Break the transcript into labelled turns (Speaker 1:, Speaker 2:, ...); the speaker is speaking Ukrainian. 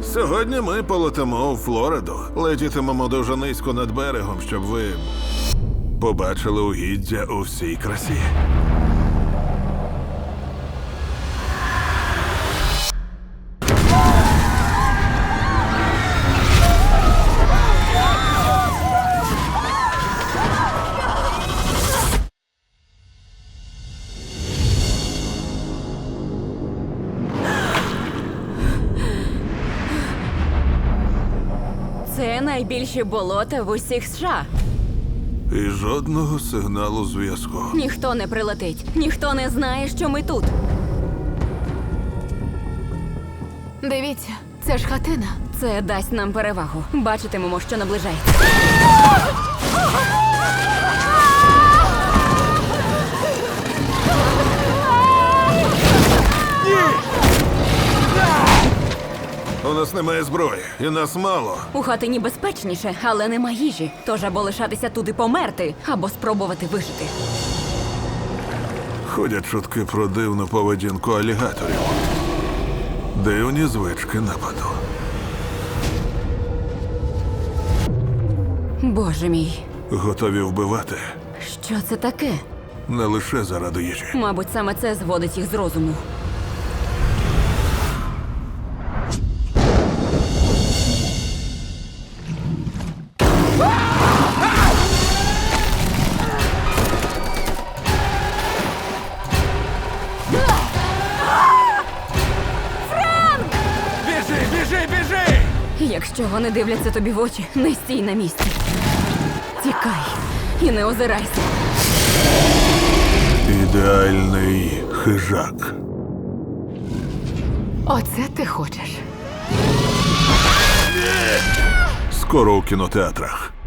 Speaker 1: Сьогодні ми полетимо у Флориду. Летітимемо дуже низько над берегом, щоб ви побачили угіддя у всій красі.
Speaker 2: Це найбільші болота в усіх США.
Speaker 1: І жодного сигналу зв'язку.
Speaker 2: Ніхто не прилетить, ніхто не знає, що ми тут.
Speaker 3: Дивіться, це ж хатина.
Speaker 2: Це дасть нам перевагу. Бачитимемо, що наближається.
Speaker 1: У нас немає зброї, і нас мало.
Speaker 2: У хатині безпечніше, але нема їжі. Тож або лишатися тут і померти, або спробувати вижити.
Speaker 1: Ходять чутки про дивну поведінку алігаторів. Дивні звички нападу.
Speaker 2: Боже мій,
Speaker 1: Готові вбивати
Speaker 2: що це таке?
Speaker 1: не лише заради їжі.
Speaker 2: Мабуть, саме це зводить їх з розуму.
Speaker 4: Біжи, біжи, біжи!
Speaker 2: Якщо вони дивляться тобі в очі, не стій на місці. Тікай і не озирайся.
Speaker 1: Ідеальний хижак.
Speaker 3: Оце ти хочеш.
Speaker 1: Скоро у кінотеатрах.